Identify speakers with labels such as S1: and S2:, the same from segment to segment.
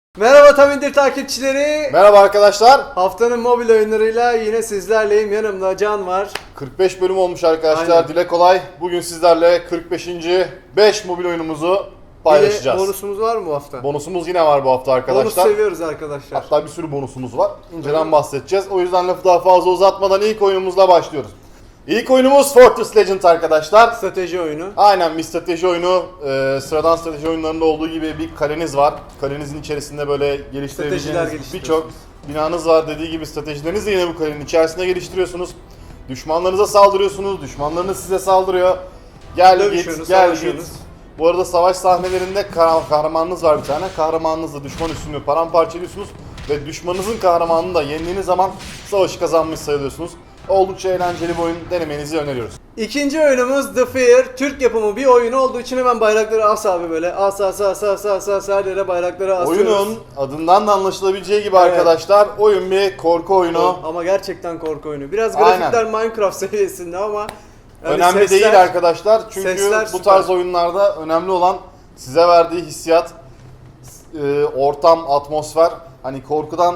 S1: Merhaba Tamindir takipçileri.
S2: Merhaba arkadaşlar.
S1: Haftanın mobil oyunlarıyla yine sizlerleyim. Yanımda Can var.
S2: 45 bölüm olmuş arkadaşlar.
S1: Aynen.
S2: Dile kolay. Bugün sizlerle 45. 5 mobil oyunumuzu paylaşacağız.
S1: Bir de bonusumuz var mı bu hafta?
S2: Bonusumuz yine var bu hafta arkadaşlar.
S1: Bonus seviyoruz arkadaşlar.
S2: Hatta bir sürü bonusumuz var. İnceden bahsedeceğiz. O yüzden lafı daha fazla uzatmadan ilk oyunumuzla başlıyoruz. İlk oyunumuz Fortress Legend arkadaşlar.
S1: Strateji oyunu.
S2: Aynen bir strateji oyunu. Sıradan strateji oyunlarında olduğu gibi bir kaleniz var. Kalenizin içerisinde böyle geliştirebileceğiniz birçok binanız var. Dediği gibi stratejilerinizi de yine bu kalenin içerisinde geliştiriyorsunuz. Düşmanlarınıza saldırıyorsunuz. Düşmanlarınız size saldırıyor. Gel git, gel git. Bu arada savaş sahnelerinde kahramanınız var bir tane. Kahramanınızla düşman üstünü paramparça ediyorsunuz. Ve düşmanınızın kahramanını da yendiğiniz zaman savaşı kazanmış sayılıyorsunuz. Oldukça eğlenceli bir oyun, denemenizi öneriyoruz.
S1: İkinci oyunumuz The Fear. Türk yapımı bir oyun olduğu için hemen bayrakları as abi böyle. As her yere bayrakları asıyoruz.
S2: Oyunun adından da anlaşılabileceği gibi
S1: Evet.
S2: arkadaşlar, oyun bir korku oyunu.
S1: Ama gerçekten korku oyunu. Biraz grafikler Minecraft seviyesinde ama yani
S2: önemli değil arkadaşlar. Çünkü bu tarz oyunlarda önemli olan size verdiği hissiyat, ortam, atmosfer. Hani korkudan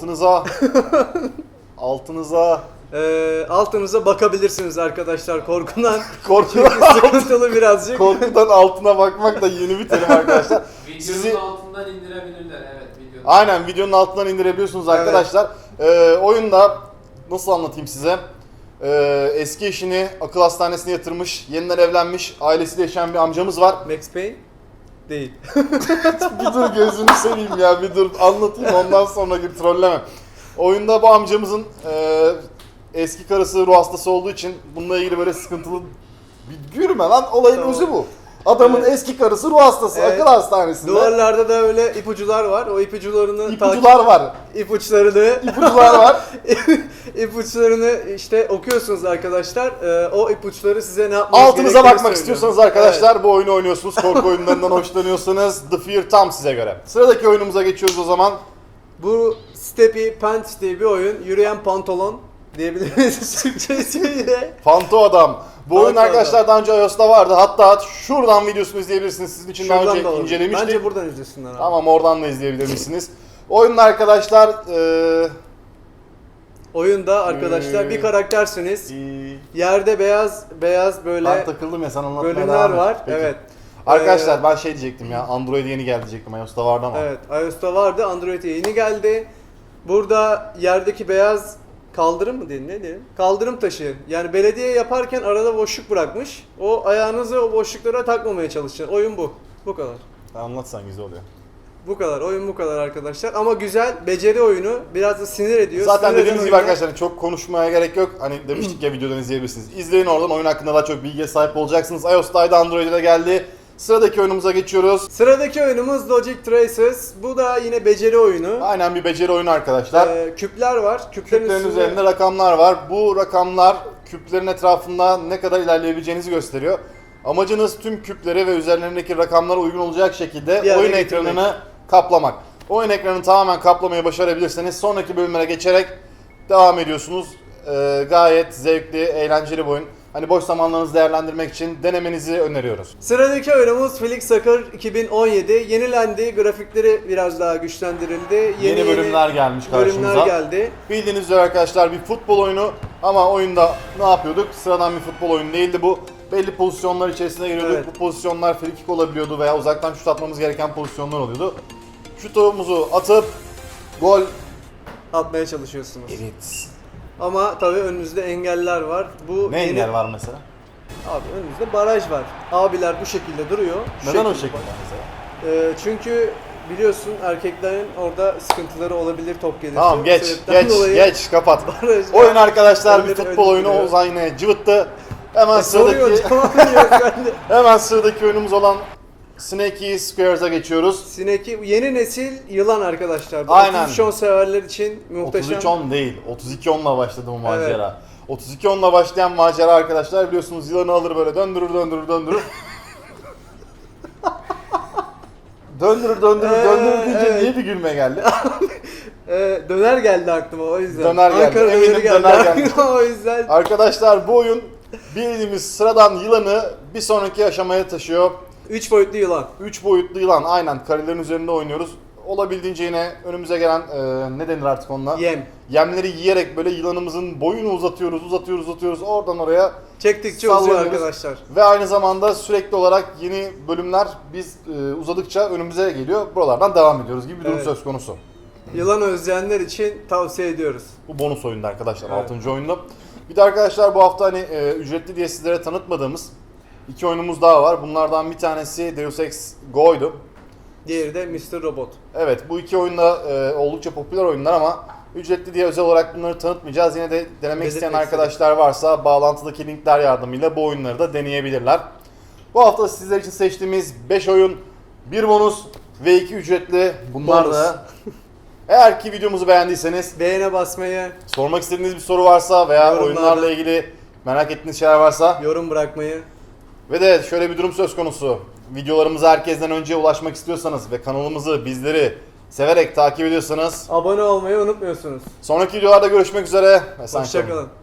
S1: altınıza bakabilirsiniz arkadaşlar korkudan.
S2: Korkudan
S1: Sıkıntılı birazcık.
S2: Korkudan altına bakmak da yeni bir terim arkadaşlar.
S3: Videonun altından indirebilirler, evet.
S2: Aynen, videonun altından indirebiliyorsunuz arkadaşlar. Oyunda nasıl anlatayım size? Eski eşini akıl hastanesine yatırmış, yeniden evlenmiş, ailesiyle yaşayan bir amcamız var.
S1: Max Payne? Değil.
S2: Bir dur, gözünü seveyim ya, bir dur anlatayım, ondan sonra gir trolleme. Oyunda bu amcamızın eski karısı ruh hastası olduğu için bununla ilgili böyle sıkıntılı bir gülme lan, olayın
S1: Tamam.
S2: özü bu. Adamın eski karısı ruh hastası, akıl hastanesinde.
S1: Duvarlarda da öyle ipucular var. O ipuçlarını
S2: İpucular var.
S1: İpuçları var. İpuçlarını işte okuyorsunuz arkadaşlar. O ipuçları size ne yapmanız
S2: Altınıza
S1: gerektiğini
S2: bakmak
S1: söylüyor.
S2: istiyorsanız arkadaşlar, bu oyunu oynuyorsunuz. Korku oyunlarından hoşlanıyorsanız The Fear tam size göre. Sıradaki oyunumuza geçiyoruz o zaman.
S1: Bu Steppy Pants diye bir oyun. Yürüyen pantolon diyebiliriz Türkçesiyle.
S2: Fanto Adam. Bu oyun arkadaşlar daha önce iOS'ta vardı. Hatta şuradan videosunu izleyebilirsiniz. Sizin için daha önce incelemiştik.
S1: Bence buradan izlesinler abi.
S2: Tamam, oradan da izleyebilirsiniz. Oyunun arkadaşlar
S1: Oyunda arkadaşlar bir karaktersiniz. Yerde beyaz böyle
S2: ben takıldım ya, sen anlatmaya
S1: bölümler
S2: devam et.
S1: var.
S2: Peki.
S1: Evet.
S2: Arkadaşlar ben şey diyecektim ya, Android'e yeni geldi diyecektim, iOS'ta vardı ama.
S1: Evet, iOS'ta vardı, Android'e yeni geldi. Burada yerdeki beyaz kaldırım mı diyelim, ne diyelim? Kaldırım taşı. Yani belediye yaparken arada boşluk bırakmış. O ayağınızı o boşluklara takmamaya çalışacaksın. Oyun bu. Bu kadar.
S2: Anlatsan güzel oluyor.
S1: Bu kadar. Oyun bu kadar arkadaşlar. Ama güzel, beceri oyunu. Biraz da sinir ediyor.
S2: Zaten
S1: Sinir
S2: dediğimiz
S1: eden
S2: gibi
S1: oyunlar-
S2: arkadaşlar çok konuşmaya gerek yok. Hani demiştik ya, videodan izleyebilirsiniz. İzleyin, oradan oyun hakkında daha çok bilgiye sahip olacaksınız. iOS'taydı, Android'e de geldi. Sıradaki oyunumuza geçiyoruz.
S1: Sıradaki oyunumuz Logic Traces. Bu da yine beceri oyunu.
S2: Aynen bir beceri oyunu arkadaşlar.
S1: Küpler var.
S2: Küplerin üzerinde rakamlar var. Bu rakamlar küplerin etrafında ne kadar ilerleyebileceğinizi gösteriyor. Amacınız tüm küpleri ve üzerlerindeki rakamlara uygun olacak şekilde
S1: Bir
S2: oyun
S1: araya getirmek.
S2: ekranını kaplamak. Oyun ekranını tamamen kaplamayı başarabilirseniz sonraki bölümlere geçerek devam ediyorsunuz. Gayet zevkli, eğlenceli bir oyun. Hani boş zamanlarınızı değerlendirmek için denemenizi öneriyoruz.
S1: Sıradaki oyunumuz Flick Soccer 2017. Yenilendi, grafikleri biraz daha güçlendirildi.
S2: Yeni bölümler gelmiş karşımıza.
S1: Bölümler geldi.
S2: Bildiğiniz üzere arkadaşlar bir futbol oyunu, ama oyunda ne yapıyorduk? Sıradan bir futbol oyunu değildi bu. Belli pozisyonlar içerisine giriyorduk.
S1: Evet.
S2: Bu pozisyonlar free kick olabiliyordu veya uzaktan şut atmamız gereken pozisyonlar oluyordu. Şutumuzu atıp gol.
S1: Atmaya çalışıyorsunuz.
S2: Evet.
S1: Ama tabii önünüzde engeller var. Bu
S2: Ne engel var mesela?
S1: Abi önünüzde baraj var. Abiler bu şekilde duruyor. Şu
S2: Neden o
S1: şekilde
S2: şekilde mesela?
S1: Çünkü biliyorsun erkeklerin orada sıkıntıları olabilir top gelirse.
S2: Tamam,
S1: Bu
S2: geç
S1: sebepten dolayı
S2: geç kapat.
S1: baraj
S2: Oyun arkadaşlar bir
S1: Önleri
S2: futbol oyunu,
S1: duruyor.
S2: Ozan yine cıvıttı. Hemen
S1: Soruyor
S2: sıradaki
S1: tamam diyor ben de.
S2: hemen sıradaki oyunumuz olan Snakey Squares'a geçiyoruz.
S1: Sineki yeni nesil yılan arkadaşlar. Bu
S2: Aynen.
S1: 33 severler için muhteşem.
S2: 33-10 değil, 32-10'la başladı bu macera. 32-10'la başlayan macera arkadaşlar, biliyorsunuz yılanı alır böyle döndürür. döndürür deyince
S1: evet.
S2: niye bir gülme geldi?
S1: Döner geldi aklıma o yüzden.
S2: Döner geldi,
S1: Ankara
S2: eminim
S1: döneri geldi
S2: döner geldi.
S1: aklıma o yüzden.
S2: Arkadaşlar bu oyun bildiğimiz sıradan yılanı bir sonraki aşamaya taşıyor.
S1: 3 boyutlu yılan.
S2: 3 boyutlu yılan, aynen karelerin üzerinde oynuyoruz. olabildiğince yine önümüze gelen ne denir artık onunla?
S1: Yem.
S2: Yemleri yiyerek böyle yılanımızın boyunu uzatıyoruz. Oradan oraya
S1: Çektikçe uzuyor
S2: sallanıyoruz.
S1: arkadaşlar.
S2: Ve aynı zamanda sürekli olarak yeni bölümler biz uzadıkça önümüze geliyor. Buralardan devam ediyoruz gibi bir durum
S1: Evet.
S2: söz konusu.
S1: Yılan özleyenler için tavsiye ediyoruz.
S2: Bu bonus oyunda arkadaşlar,
S1: Evet.
S2: 6. oyunda. Bir de arkadaşlar bu hafta hani ücretli diye sizlere tanıtmadığımız 2 oyunumuz daha var. Bunlardan bir tanesi Deus Ex Go'ydu.
S1: Diğeri de Mr. Robot.
S2: Evet, bu 2 oyunda oldukça popüler oyunlar ama ücretli diye özel olarak bunları tanıtmayacağız. Yine de denemek
S1: Belirtmek
S2: isteyen arkadaşlar varsa bağlantıdaki linkler yardımıyla bu oyunları da deneyebilirler. Bu hafta sizler için seçtiğimiz 5 oyun, 1 bonus ve 2 ücretli. Bunlar
S1: Bonus.
S2: da eğer ki videomuzu beğendiyseniz,
S1: Beğene basmayı,
S2: sormak istediğiniz bir soru varsa veya
S1: Yorumlarda.
S2: oyunlarla ilgili merak ettiğiniz şeyler varsa
S1: yorum bırakmayı.
S2: ve de şöyle bir durum söz konusu. Videolarımıza herkesten önce ulaşmak istiyorsanız ve kanalımızı, bizleri severek takip ediyorsanız
S1: Abone olmayı unutmuyorsunuz.
S2: sonraki videolarda görüşmek üzere. Esen kalın.
S1: Hoşçakalın.